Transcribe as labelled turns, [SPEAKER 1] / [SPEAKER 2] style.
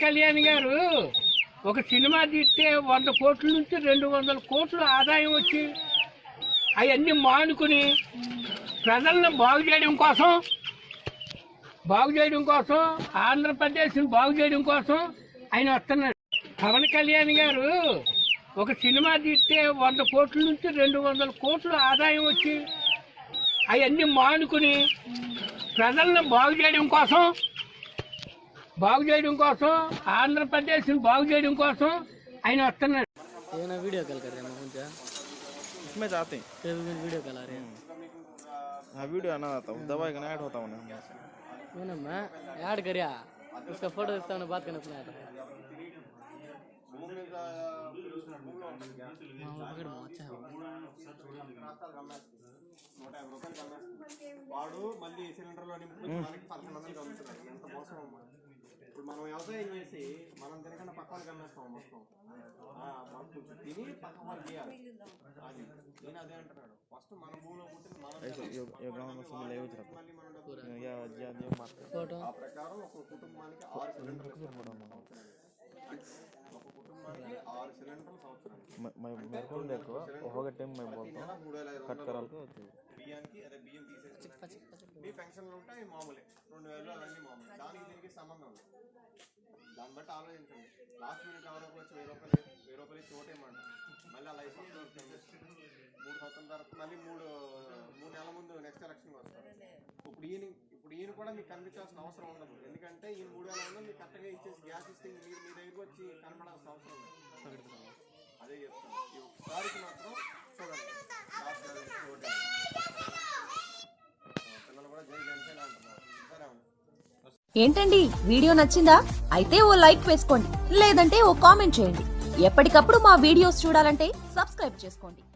[SPEAKER 1] కళ్యాణ్ గారు ఒక సినిమా తీస్తే 100 కోట్ల నుంచి 200 కోట్లు ఆదాయం వచ్చి అవన్నీ మానుకుని ప్రజలను బాగు చేయడం కోసం ఆంధ్రప్రదేశ్ని బాగు చేయడం కోసం ఆయన వస్తున్నాడు. పవన్ కళ్యాణ్ గారు ఒక సినిమా తీస్తే 100 కోట్ల నుంచి 200 కోట్లు ఆదాయం వచ్చి అవన్నీ మానుకుని ప్రజలను బాగు చేయడం కోసం ఆంధ్రప్రదేశ్ని బాగు చేయడం కోసం ఆయన వస్తున్నాడు.
[SPEAKER 2] वीडियो कॉल कर रहे हैं मुझे
[SPEAKER 3] इसमें चाहते हैं
[SPEAKER 2] वीडियो कॉल आ रहे हैं।
[SPEAKER 3] हाँ वीडियो आना आता हूँ दवाई का ऐड होता हूँ
[SPEAKER 2] मैंने मैं ऐड करिया उसका फोटो इसका बात करना सुना था।
[SPEAKER 4] వాడు మళ్ళీ సిలిండర్లో నింపుకుని మనకి 1100 కమ్ముతున్నాడు. ఎంత మోసం అమ్మా. ఇప్పుడు మనం వ్యవసాయం చేసి మనం తినకుండా పక్క వాళ్ళకి అమ్మేస్తాం మొత్తం. మనం తిని పక్క వాళ్ళు చేయాలి. అది నేను అదే అంటున్నాడు. ఫస్ట్ మన భూమిలో పుట్టిన మనం ఆ ప్రకారం ఒక కుటుంబానికి 6 సిలిండర్లు ఒక కుటుంబానికి 6 సిలిండర్లు సంవత్సరానికి బియ్యానికి అదే బియ్యం తీసేసి మీ పెన్షన్లు ఉంటాయి మామూలే 2000 అవన్నీ మామూలు. దానికి దీనికి సంబంధం ఉంది. దాన్ని బట్టి ఆలోచించండి. లాస్ట్ మినిట్ ఎవరికి వచ్చి 1000 రూపాయలు ఇచ్చి ఓటేయమంట. మళ్ళీ అలా 5 సంవత్సరాలు 3 సంవత్సరాల తర్వాత మళ్ళీ మూడు నెలల ముందు నెక్స్ట్ ఎలక్షన్ వస్తారు. ఇప్పుడు ఈయన కూడా మీకు కనిపించాల్సిన అవసరం ఉండదు. ఎందుకంటే ఈ 3000 మీకు కరెక్ట్గా ఇచ్చేసి గ్యాస్ ఇస్తే మీరు మీ దగ్గరికి వచ్చి కనపడాల్సిన అవసరం లేదు. అదే చెప్తాను. ఈ ఒకసారికి మాత్రం చూడండి. పిల్లలు కూడా జై జనసేన అంటున్నారు. సరే అవును.
[SPEAKER 5] ఏంటండి వీడియో నచ్చిందా? అయితే ఓ లైక్ వేసుకోండి, లేదంటే ఓ కామెంట్ చేయండి. ఎప్పటికప్పుడు మా వీడియోస్ చూడాలంటే సబ్స్క్రైబ్ చేసుకోండి.